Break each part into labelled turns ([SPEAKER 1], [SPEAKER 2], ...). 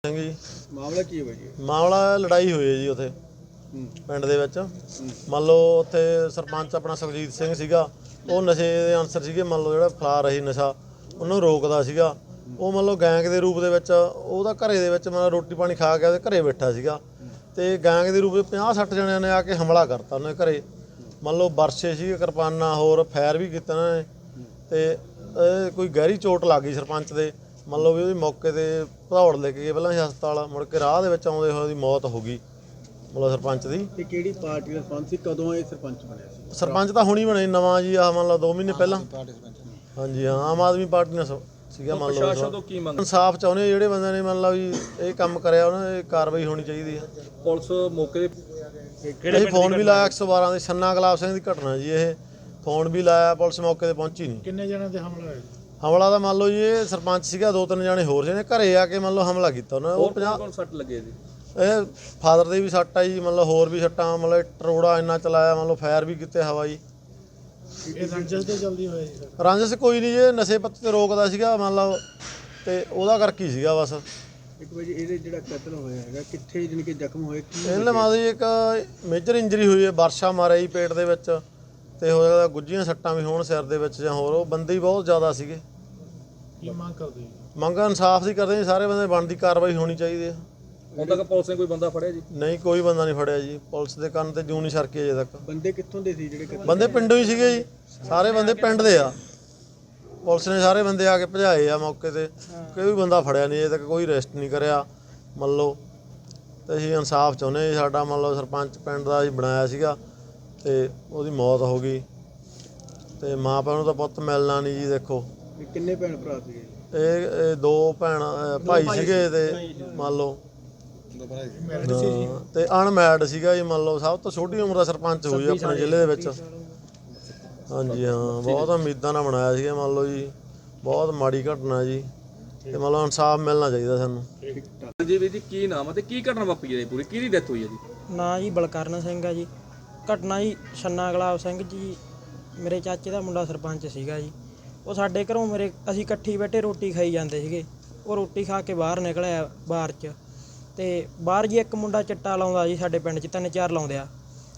[SPEAKER 1] ਸਿੰਘ ਜੀ।
[SPEAKER 2] ਮਾਮਲਾ ਕੀ ਹੋਇਆ ਜੀ?
[SPEAKER 1] ਮਾਮਲਾ ਲੜਾਈ ਹੋਈ ਹੈ ਜੀ ਉੱਥੇ ਪਿੰਡ ਦੇ ਵਿੱਚ। ਮੰਨ ਲਓ ਉੱਥੇ ਸਰਪੰਚ ਆਪਣਾ ਸੁਖਜੀਤ ਸਿੰਘ ਸੀਗਾ, ਉਹ ਨਸ਼ੇ ਦੇ ਅਨਸਰ ਸੀਗੇ। ਮੰਨ ਲਓ ਜਿਹੜਾ ਫਲਾ ਰਹੀ ਨਸ਼ਾ ਉਹਨੂੰ ਰੋਕਦਾ ਸੀਗਾ। ਉਹ ਮੰਨ ਲਓ ਗੈਂਗ ਦੇ ਰੂਪ ਦੇ ਵਿੱਚ ਉਹਦਾ ਘਰੇ ਦੇ ਵਿੱਚ ਮਤਲਬ ਰੋਟੀ ਪਾਣੀ ਖਾ ਕੇ ਉਹਦੇ ਘਰੇ ਬੈਠਾ ਸੀਗਾ, ਅਤੇ ਗੈਂਗ ਦੇ ਰੂਪ ਵਿੱਚ 50-60 ਜਣਿਆਂ ਨੇ ਆ ਕੇ ਹਮਲਾ ਕਰਤਾ ਉਹਨਾਂ ਦੇ ਘਰੇ। ਮੰਨ ਲਓ ਵਰਸੇ ਸੀਗੇ, ਕਿਰਪਾਨਾਂ, ਹੋਰ ਫਾਇਰ ਵੀ ਕੀਤੇ ਉਹਨਾਂ ਨੇ, ਅਤੇ ਕੋਈ ਗਹਿਰੀ ਚੋਟ ਲੱਗ ਗਈ ਸਰਪੰਚ ਦੇ। ਮੰਨ ਲਓ ਵੀ ਉਹਦੀ ਮੌਕੇ 'ਤੇ ਭਦੌੜ ਲੈ ਕੇ ਗਏ ਪਹਿਲਾਂ ਹਸਪਤਾਲ, ਮੁੜ ਕੇ ਰਾਹ ਦੇ ਵਿੱਚ ਆਉਂਦੇ ਹੋਏ ਉਹਦੀ ਮੌਤ ਹੋ ਗਈ ਮਤਲਬ ਸਰਪੰਚ ਦੀ।
[SPEAKER 2] ਤੇ ਕਿਹੜੀ ਪਾਰਟੀ ਦਾ ਸਰਪੰਚ ਸੀ? ਕਦੋਂ ਇਹ ਸਰਪੰਚ ਬਣਿਆ ਸੀ?
[SPEAKER 1] ਸਰਪੰਚ ਤਾਂ ਹੁਣੀ ਬਣੇ ਨਵਾਂ ਜੀ, ਆਹ ਮੰਨ ਲਓ 2 ਮਹੀਨੇ ਪਹਿਲਾਂ। ਹਾਂਜੀ ਹਾਂ, ਆਮ ਆਦਮੀ ਪਾਰਟੀ ਨਾਲ ਸੀਗਾ। ਮੰਨ ਲਓ ਇਨਸਾਫ ਚਾਹੁੰਦੇ ਜਿਹੜੇ ਬੰਦੇ ਨੇ ਮੰਨ ਲਓ ਵੀ ਇਹ ਕੰਮ ਕਰਿਆ ਉਹਨਾਂ ਦੀ ਕਾਰਵਾਈ ਹੋਣੀ ਚਾਹੀਦੀ ਹੈ।
[SPEAKER 3] ਪੁਲਿਸ ਮੌਕੇ
[SPEAKER 1] ਤੇ ਅਸੀਂ ਫੋਨ ਵੀ ਲਾਇਆ 112 ਦੇ। ਛੰਨਾ ਗੁਲਾਬ ਸਿੰਘ ਦੀ ਘਟਨਾ ਜੀ ਇਹ। ਫੋਨ ਵੀ ਲਾਇਆ, ਪੁਲਿਸ ਮੌਕੇ 'ਤੇ ਪਹੁੰਚੀ ਨਹੀਂ।
[SPEAKER 2] ਕਿੰਨੇ ਜਣਿਆਂ ਤੇ ਹਮਲਾ ਹੋਇਆ?
[SPEAKER 1] ਹਮਲਾ ਤਾਂ ਮੰਨ ਲਓ ਜੀ ਇਹ ਸਰਪੰਚ ਸੀਗਾ, 2-3 ਜਣੇ ਹੋਰ ਸੀ ਨੇ ਘਰੇ ਆ ਕੇ ਮੰਨ ਲਓ ਹਮਲਾ ਕੀਤਾ ਉਹਨਾਂ ਨੇ। ਉਹ 50
[SPEAKER 3] ਸੱਟ ਲੱਗੇ ਜੀ।
[SPEAKER 1] ਇਹ ਫਾਦਰ ਦੇ ਵੀ ਸੱਟ ਆ ਜੀ, ਮਤਲਬ ਹੋਰ ਵੀ ਸੱਟਾਂ, ਮਤਲਬ ਟਰੋੜਾ ਇੰਨਾ ਚਲਾਇਆ, ਮੰਨ ਲਓ ਫਾਇਰ ਵੀ ਕੀਤੇ ਹਵਾਈ।
[SPEAKER 2] ਇਹ ਰੰਜਸ ਤੇ ਜਲਦੀ ਹੋਇਆ ਜੀ?
[SPEAKER 1] ਰੰਜਸ ਕੋਈ ਨਹੀਂ ਜੀ, ਨਸ਼ੇ ਪੱਤੇ ਤੇ ਰੋਕਦਾ ਸੀਗਾ ਮੰਨ ਲਓ, ਤੇ ਉਹਦਾ ਕਰਕੇ ਹੀ ਸੀਗਾ ਬਸ।
[SPEAKER 2] ਇੱਕ ਵਜੇ ਇਹਦੇ ਜਿਹੜਾ ਕਤਲ ਹੋਇਆ ਹੈਗਾ, ਕਿੱਥੇ ਜਾਣੀ ਕਿ ਜ਼ਖਮ ਹੋਏ?
[SPEAKER 1] ਇਹਨਾਂ ਮਾਂ ਦੀ ਇੱਕ ਮੇਜਰ ਇੰਜਰੀ ਹੋਈ ਹੈ, ਵਰਸ਼ਾ ਮਾਰਿਆ ਜੀ ਪੇਟ ਦੇ ਵਿੱਚ, ਤੇ ਹੋ ਸਕਦਾ ਗੁੱਝੀਆਂ ਸੱਟਾਂ ਵੀ ਹੋਣ ਸਿਰ ਦੇ ਵਿੱਚ ਜਾਂ ਹੋਰ। ਉਹ ਬੰਦੇ ਹੀ ਬਹੁਤ ਜ਼ਿਆਦਾ ਸੀਗੇ।
[SPEAKER 2] ਕੀ ਮੰਗ ਕਰਦੇ?
[SPEAKER 1] ਮੰਗ ਇਨਸਾਫ ਦੀ ਕਰਦੇ ਜੀ, ਸਾਰੇ ਬੰਦੇ ਬਣਦੀ ਕਾਰਵਾਈ ਹੋਣੀ ਚਾਹੀਦੀ ਹੈ।
[SPEAKER 3] ਹੁਣ ਤੱਕ ਪੁਲਿਸ ਨੇ ਕੋਈ ਬੰਦਾ ਫੜਿਆ ਜੀ?
[SPEAKER 1] ਨਹੀਂ, ਕੋਈ ਬੰਦਾ ਨਹੀਂ ਫੜਿਆ ਜੀ। ਪੁਲਿਸ ਦੇ ਕੰਨ ਤੇ ਜੂੰ ਨਹੀਂ ਸਰਕੀ ਅਜੇ ਤੱਕ।
[SPEAKER 2] ਬੰਦੇ ਕਿੱਥੋਂ ਦੇ ਸੀ ਜਿਹੜੇ?
[SPEAKER 1] ਬੰਦੇ ਪਿੰਡੋਂ ਹੀ ਸੀਗੇ ਜੀ, ਸਾਰੇ ਬੰਦੇ ਪਿੰਡ ਦੇ ਆ। ਪੁਲਿਸ ਨੇ ਸਾਰੇ ਬੰਦੇ ਆ ਕੇ ਭਜਾਏ ਆ ਮੌਕੇ 'ਤੇ। ਕੋਈ ਬੰਦਾ ਫੜਿਆ ਨਹੀਂ ਅਜੇ ਤੱਕ, ਕੋਈ ਅਰੈਸਟ ਨਹੀਂ ਕਰਿਆ ਮੰਨ ਲਓ। ਅਤੇ ਅਸੀਂ ਇਨਸਾਫ ਚਾਹੁੰਦੇ ਜੀ। ਸਾਡਾ ਮੰਨ ਲਓ ਸਰਪੰਚ ਪਿੰਡ ਦਾ ਅਸੀਂ ਬਣਾਇਆ ਸੀਗਾ, ਅਤੇ ਉਹਦੀ ਮੌਤ ਹੋ ਗਈ, ਅਤੇ ਮਾਂ ਪਿਓ ਨੂੰ ਤਾਂ ਪੁੱਤ ਮਿਲਣਾ ਨਹੀਂ ਜੀ। ਦੇਖੋ
[SPEAKER 2] ਕਿੰਨੇ ਭੈਣ ਭਰਾ ਸੀਗੇ?
[SPEAKER 1] ਇਹ 2 ਭਾਈ ਸੀਗੇ, ਅਤੇ ਮੰਨ ਲਓ ਤੇ ਅਨਮੈਰਿਡ ਸੀਗਾ ਜੀ। ਮੰਨ ਲਓ ਸਭ ਤੋਂ ਛੋਟੀ ਉਮਰ ਦਾ ਸਰਪੰਚ ਹੋਈ ਆਪਣੇ ਜ਼ਿਲ੍ਹੇ ਦੇ ਵਿੱਚ। ਹਾਂਜੀ ਹਾਂ, ਬਹੁਤ ਉਮੀਦਾਂ ਨਾਲ ਬਣਾਇਆ ਸੀਗਾ ਮੰਨ ਲਓ ਜੀ। ਬਹੁਤ ਮਾੜੀ ਘਟਨਾ ਜੀ, ਤੇ ਮੰਨ ਲਓ ਇਨਸਾਫ ਮਿਲਣਾ ਚਾਹੀਦਾ ਸਾਨੂੰ।
[SPEAKER 3] ਜੀ ਵੀਰ ਜੀ, ਕੀ ਨਾਮ ਹੈ ਤੇ ਕੀ ਘਟਨਾ ਵਾਪਰੀ ਹੈ ਪੂਰੀ? ਕਿਹਦੀ ਡੈਥ ਹੋਈ ਹੈ ਜੀ?
[SPEAKER 4] ਨਾਂ ਜੀ ਬਲਕਰਨ ਸਿੰਘ ਆ ਜੀ। ਘਟਨਾ ਜੀ ਛੰਨਾ ਗੁਲਾਬ ਸਿੰਘ ਜੀ ਮੇਰੇ ਚਾਚੇ ਦਾ ਮੁੰਡਾ ਸਰਪੰਚ ਸੀਗਾ ਜੀ। ਉਹ ਸਾਡੇ ਘਰੋਂ ਅਸੀਂ ਇਕੱਠੀ ਬੈਠੇ ਰੋਟੀ ਖਾਈ ਜਾਂਦੇ ਸੀਗੇ। ਉਹ ਰੋਟੀ ਖਾ ਕੇ ਬਾਹਰ ਨਿਕਲਿਆ ਬਾਹਰ 'ਚ, ਅਤੇ ਬਾਹਰ ਜੀ ਇੱਕ ਮੁੰਡਾ ਚਿੱਟਾ ਲਾਉਂਦਾ ਜੀ, ਸਾਡੇ ਪਿੰਡ 'ਚ 3-4 ਲਾਉਂਦੇ ਆ।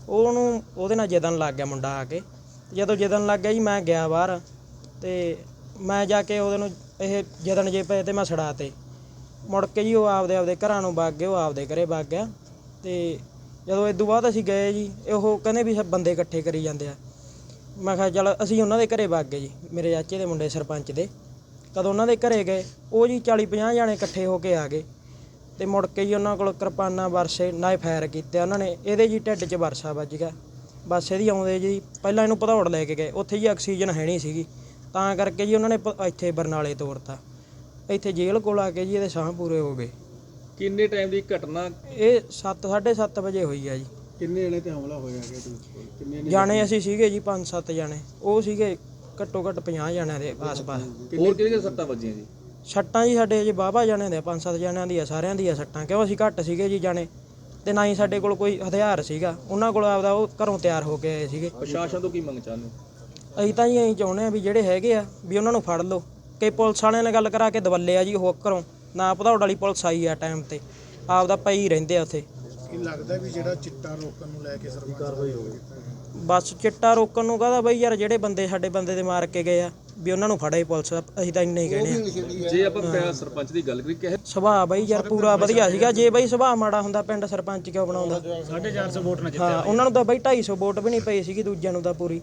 [SPEAKER 4] ਉਹਦੇ ਨਾਲ ਜਿੱਦਣ ਲੱਗ ਗਿਆ ਮੁੰਡਾ ਆ ਕੇ। ਜਦੋਂ ਜਿੱਦਣ ਲੱਗ ਗਿਆ ਜੀ, ਮੈਂ ਗਿਆ ਬਾਹਰ, ਅਤੇ ਮੈਂ ਜਾ ਕੇ ਉਹਦੇ ਨੂੰ ਇਹ ਜਿੱਦਣ ਜੇ ਪਏ ਤੇ ਮੈਂ ਛੜਾ ਤੇ। ਮੁੜ ਕੇ ਜੀ ਉਹ ਆਪਦੇ ਘਰਾਂ ਨੂੰ ਵਗ ਗਏ, ਉਹ ਆਪਦੇ ਘਰੇ ਵਗ ਗਿਆ। ਅਤੇ ਜਦੋਂ ਇਸ ਤੋਂ ਬਾਅਦ ਅਸੀਂ ਗਏ ਜੀ, ਉਹ ਕਹਿੰਦੇ ਵੀ ਸਭ ਬੰਦੇ ਇਕੱਠੇ ਕਰੀ ਜਾਂਦੇ ਆ। ਮੈਂ ਕਿਹਾ ਚੱਲ ਅਸੀਂ ਉਹਨਾਂ ਦੇ ਘਰੇ ਵਗ ਗਏ ਜੀ, ਮੇਰੇ ਚਾਚੇ ਦੇ ਮੁੰਡੇ ਸਰਪੰਚ ਦੇ। ਕਦੋਂ ਉਹਨਾਂ ਦੇ ਘਰੇ ਗਏ, ਉਹ ਜੀ 40-50 ਜਾਣੇ ਇਕੱਠੇ ਹੋ ਕੇ ਆ ਗਏ, ਅਤੇ ਮੁੜ ਕੇ ਜੀ ਉਹਨਾਂ ਕੋਲ ਕਿਰਪਾਨਾਂ, ਵਰਸੇ ਨਾਲ ਫਾਇਰ ਕੀਤੇ ਉਹਨਾਂ ਨੇ। ਇਹਦੇ ਜੀ ਢਿੱਡ 'ਚ ਵਰਸਾ ਵੱਜ ਗਿਆ। ਬਸ ਇਹਦੀ ਆਉਂਦੇ ਜੀ ਪਹਿਲਾਂ ਇਹਨੂੰ ਭਦੌੜ ਲੈ ਕੇ ਗਏ, ਉੱਥੇ ਜੀ ਆਕਸੀਜਨ ਹੈ ਨਹੀਂ ਸੀਗੀ, ਤਾਂ ਕਰਕੇ ਜੀ ਉਹਨਾਂ ਨੇ ਇੱਥੇ ਬਰਨਾਲੇ ਤੋਰਤਾ। ਇੱਥੇ ਜੇਲ੍ਹ ਕੋਲ ਆ ਕੇ ਜੀ ਇਹਦੇ ਸਾਹ ਪੂਰੇ ਹੋ ਗਏ।
[SPEAKER 3] ਕਿੰਨੇ ਟਾਈਮ ਦੀ ਘਟਨਾ?
[SPEAKER 4] ਇਹ 7-7:30 ਵਜੇ ਹੋਈ ਆ ਜੀ।
[SPEAKER 2] ਕਿੰਨੇ ਜਣੇ ਤੇ ਹਮਲਾ ਹੋਇਆ ਹੈਗਾ? ਕਿੰਨੇ
[SPEAKER 4] ਜਾਣੇ ਅਸੀਂ ਸੀਗੇ ਜੀ 5-7 ਜਾਣੇ, ਉਹ ਸੀਗੇ ਘੱਟੋ ਘੱਟ 50 ਜਾਣਿਆਂ ਦੇ ਆਸ-ਪਾਸ।
[SPEAKER 3] ਹੋਰ ਕਿਹਦੇ ਸੱਟਾਂ ਵੱਜੀਆਂ ਜੀ?
[SPEAKER 4] ਸੱਟਾਂ ਜੀ ਸਾਡੇ ਜੀ ਵਾਹਵਾ ਜਾਣਿਆਂ ਦੇ 5-7 ਜਾਣਿਆਂ ਦੀਆਂ, ਸਾਰਿਆਂ ਦੀਆਂ ਸੱਟਾਂ, ਕਿਉਂ ਅਸੀਂ ਘੱਟ ਸੀਗੇ ਜੀ ਜਾਣੇ, ਅਤੇ ਨਾ ਹੀ ਸਾਡੇ ਕੋਲ ਕੋਈ ਹਥਿਆਰ ਸੀਗਾ। ਉਹਨਾਂ ਕੋਲ ਆਪਦਾ ਉਹ ਘਰੋਂ ਤਿਆਰ ਹੋ ਕੇ ਆਏ ਸੀਗੇ।
[SPEAKER 3] ਪ੍ਰਸ਼ਾਸਨ ਤੋਂ ਕੀ ਮੰਗ ਚਾਹੁੰਦੇ?
[SPEAKER 4] ਅਸੀਂ ਤਾਂ ਜੀ ਅਸੀਂ ਚਾਹੁੰਦੇ ਹਾਂ ਵੀ ਜਿਹੜੇ ਹੈਗੇ ਆ ਵੀ ਉਹਨਾਂ ਨੂੰ ਫੜ ਲਓ। ਕਿ ਪੁਲਿਸ ਵਾਲਿਆਂ ਨੇ ਗੱਲ ਕਰਾ ਕੇ ਦਵੱਲੇ ਆ ਜੀ ਉਹ ਘਰੋਂ, ਨਾ ਭਦੌੜ ਵਾਲੀ ਪੁਲਿਸ ਆਈ ਆ ਟਾਈਮ 'ਤੇ, ਆਪਦਾ ਪਈ ਰਹਿੰਦੇ ਆ ਉੱਥੇ।
[SPEAKER 2] ਕੀ ਲੱਗਦਾ ਵੀ ਜਿਹੜਾ ਚਿੱਟਾ ਰੋਕਣ ਨੂੰ ਲੈ ਕੇ ਸਰਕਾਰ ਕਾਰਵਾਈ ਹੋਵੇ?
[SPEAKER 4] ਬਸ ਚਿੱਟਾ ਰੋਕਣ ਨੂੰ ਕਹਦਾ ਬਈ ਯਾਰ, ਜਿਹੜੇ ਬੰਦੇ ਸਾਡੇ ਬੰਦੇ ਦੇ ਮਾਰ ਕੇ ਗਏ ਆ ਵੀ ਉਹਨਾਂ ਨੂੰ ਫੜੇ ਪੁਲਿਸ। ਅਸੀਂ ਤਾਂ ਇੰਨਾ ਹੀ ਕਹਿੰਦੇ ਆ।
[SPEAKER 3] ਜੇ ਆਪਾਂ ਸਰਪੰਚ ਦੀ ਗੱਲ ਕਰੀ, ਕਿਹ
[SPEAKER 4] ਸੁਭਾਅ ਬਈ ਯਾਰ ਪੂਰਾ ਵਧੀਆ ਸੀਗਾ। ਜੇ ਬਈ ਸੁਭਾਅ ਮਾੜਾ ਹੁੰਦਾ ਪਿੰਡ ਸਰਪੰਚ ਕਿਉਂ ਬਣਾਉਂਦਾ?
[SPEAKER 2] 450 ਵੋਟ ਨਾਲ ਜਿੱਤਿਆ।
[SPEAKER 4] ਹਾਂ, ਉਹਨਾਂ ਨੂੰ ਤਾਂ ਬਈ 250 ਵੋਟ ਵੀ ਨਹੀਂ ਪਈ ਸੀਗੀ, ਦੂਜਿਆਂ ਨੂੰ ਤਾਂ ਪੂਰੀ।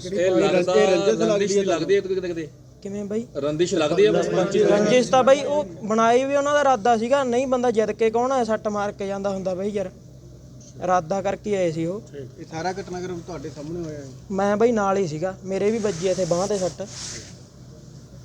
[SPEAKER 3] ਲੱਗਦੀ ਹੈ ਕਿਤੇ
[SPEAKER 4] ਕਿਵੇਂ ਬਈ?
[SPEAKER 3] ਰੰਦਿਸ਼ ਲੱਗਦੀ ਹੈ ਸਰਪੰਚ?
[SPEAKER 4] ਰੰਜਿਸ਼ ਤਾਂ ਬਈ ਉਹ ਬਣਾਈ ਵੀ ਉਹਨਾਂ ਦਾ ਇਰਾਦਾ ਸੀਗਾ। ਨਹੀਂ ਬੰਦਾ ਜਿੱਦ ਕੇ ਕੌਣ ਹੈ ਸੱਟ ਮਾਰ ਕੇ ਜਾਂਦਾ ਹੁੰਦਾ ਬਈ ਯਾਰ, ਇਰਾਦਾ ਕਰਕੇ ਆਏ ਸੀ ਉਹ।
[SPEAKER 2] ਇਹ ਸਾਰਾ ਘਟਨਾਕ੍ਰਮ ਤੁਹਾਡੇ ਸਾਹਮਣੇ ਹੋਇਆ ਹੈ?
[SPEAKER 4] ਮੈਂ ਬਈ ਨਾਲ ਹੀ ਸੀਗਾ, ਮੇਰੇ ਵੀ ਵੱਜੀ ਇੱਥੇ ਬਾਂਹ 'ਤੇ ਸੱਟ।